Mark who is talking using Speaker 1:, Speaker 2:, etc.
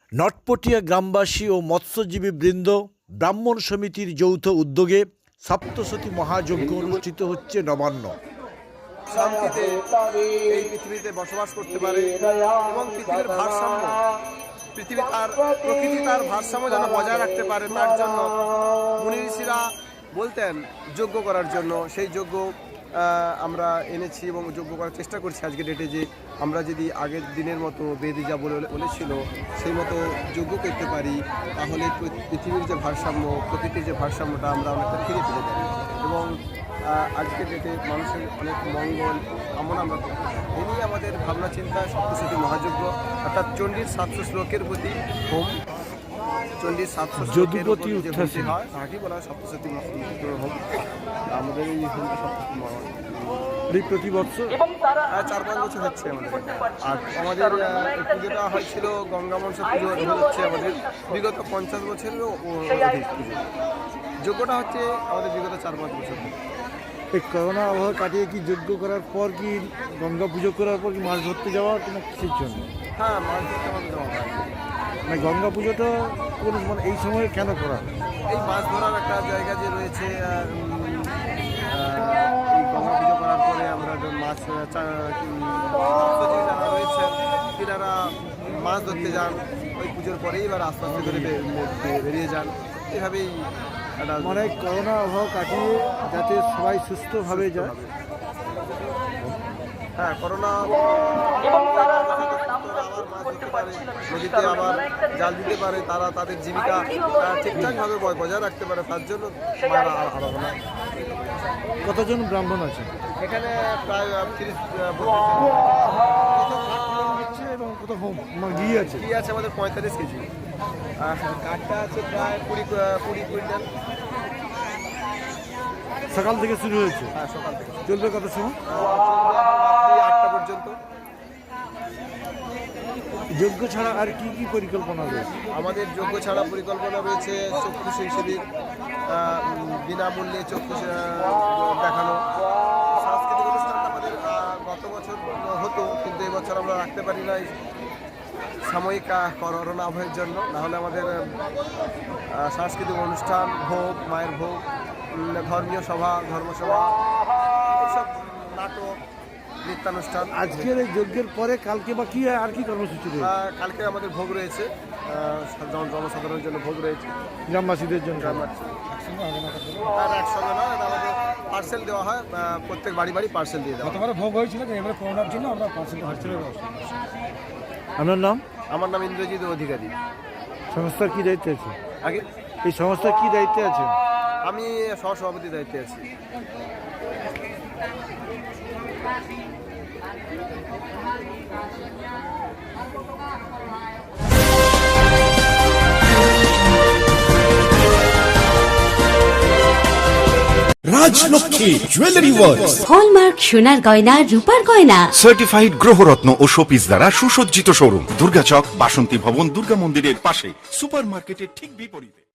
Speaker 1: নটপটিয়া গ্রামবাসী ও মৎস্যজীবী বৃন্দ ব্রাহ্মণ সমিতির যৌথ উদ্যোগে সপ্তশতী মহাযজ্ঞ অনুষ্ঠিত হচ্ছে নবান্ন।
Speaker 2: শান্তিতে এই পৃথিবীতে বসবাস করতে পারে এবং পৃথিবীর ভারসাম্য প্রকৃতি তার ভারসাম্য যেন বজায় রাখতে পারে, তার জন্য মুনি ঋষিরা বলতেন যজ্ঞ করার জন্য। সেই যজ্ঞ আমরা এনেছি এবং যজ্ঞ করার চেষ্টা করছি আজকে ডেটে, যে আমরা যদি আগের দিনের মতো বেদে যা বলেছিল সেই মতো যজ্ঞ করতে পারি, তাহলে পৃথিবীর যে ভারসাম্য, প্রকৃতির যে ভারসাম্যটা আমরা অনেকটা ফিরে পেতে পারি এবং আজকের ডেটে মানুষের অনেক মঙ্গল কামনা আমরা করি। এই নিয়ে আমাদের ভাবনা চিন্তা সপ্তশতী মহাযজ্ঞ, অর্থাৎ চণ্ডীর 700 শ্লোকের প্রতি হোম। চণ্ডীর 700 শ্লোকের প্রতি যে হোমটি হয় তাকেই বলা হয় সপ্তশতী হোম। আমাদের এই হোমটা সপ্তশতী
Speaker 1: প্রতি বছর
Speaker 2: 4-5 বছর হচ্ছে আমাদের। আর আমাদের পুজোটা হয়েছিল গঙ্গা মনসা পুজো হচ্ছে আমাদের বিগত 50 বছরেরও অধিক পুজো। যজ্ঞটা হচ্ছে আমাদের বিগত 4-5 বছর।
Speaker 1: এই করোনা আবহাওয়া কাটিয়ে কি যজ্ঞ করার পর কি গঙ্গা পুজো করার পর কি মাছ ধরতে যাওয়া কিনা কিসের জন্য?
Speaker 2: হ্যাঁ, মাছ ধরতে আমাদের যাওয়া হয়।
Speaker 1: মানে গঙ্গা পুজোটা কোন মানে এই সময়ে কেন করা হয়?
Speaker 2: এই মাছ ধরার একটা জায়গা যে রয়েছে, এই গঙ্গা পুজো করার পরে আমরা মাছ যারা রয়েছে তিনারা মাছ ধরতে যান ওই পুজোর পরেই, এবার আস্তে আস্তে করে বেরিয়ে যান। এভাবেই
Speaker 1: মানে করোনা আবহাওয়া কাটিয়ে যাতে সবাই সুস্থভাবে যায়।
Speaker 2: হ্যাঁ, করোনা নদীতে আবার জাল দিতে পারে, তারা তাদের জীবিকা ঠিকঠাকভাবে বজায় রাখতে পারে, তার জন্য আরাধনা।
Speaker 1: কতজন ব্রাহ্মণ আছে
Speaker 2: এখানে? প্রায় 30
Speaker 1: এবং কত ঘি আছে?
Speaker 2: ঘি আছে আমাদের 45 কেজি। কাঠটা আছে প্রায় 20 কুইন্টাল।
Speaker 1: সকাল থেকে শুরু হয়েছে?
Speaker 2: হ্যাঁ, সকাল থেকে।
Speaker 1: চলবে কত সময়?
Speaker 2: রাত্রি 8টা পর্যন্ত।
Speaker 1: যজ্ঞ ছাড়া আর কি কি পরিকল্পনা রয়েছে?
Speaker 2: আমাদের যজ্ঞ ছাড়া পরিকল্পনা রয়েছে চক্ষু শিবির, বিনামূল্যে চক্ষু দেখানো। সাংস্কৃতিক অনুষ্ঠানটা আমাদের গত বছর হতো, কিন্তু এবছর আমরা রাখতে পারি না সাময়িক করোনা আবহের জন্য। নাহলে আমাদের সাংস্কৃতিক অনুষ্ঠান, ভোগ, মায়ের ভোগ, ধর্মীয় সভা, ধর্মসভা, এইসব নাটক, নৃত্যানুষ্ঠান।
Speaker 1: আজকের এই যজ্ঞের পরে কালকে বা কি আর কি কর্মসূচি রয়েছে?
Speaker 2: কালকে আমাদের ভোগ রয়েছে, জনসাধারণের জন্য ভোগ রয়েছে,
Speaker 1: গ্রামবাসীদের জন্য।
Speaker 2: আর একসঙ্গে নয়, আমাদের পার্সেল দেওয়া হয়, প্রত্যেক বাড়ি বাড়ি পার্সেল দিয়ে দেওয়া।
Speaker 3: গতবারে ভোগ হয়েছিল, এবারে করোনার জন্য আমরা পার্সেল হচ্ছিল।
Speaker 1: আপনার নাম?
Speaker 2: আমার নাম ইন্দ্রজিৎ অধিকারী।
Speaker 1: সংস্থার কি দায়িত্বে আছে?
Speaker 2: আগে
Speaker 1: এই সংস্থার কি দায়িত্বে আছে?
Speaker 2: আমি সহসভাপতির দায়িত্বে আছি।
Speaker 4: রাজলক্ষ্মী জুয়েলারি ওয়ার্ল্ড,
Speaker 5: হলমার্ক সোনার গয়না, রূপার গয়না,
Speaker 4: সার্টিফাইড গ্রহরত্ন ও শোপিস দ্বারা সুসজ্জিত শোরুম, দুর্গাচক, বাসন্তী ভবন, দুর্গা মন্দিরের পাশে, সুপার মার্কেটের ঠিক বিপরীতে।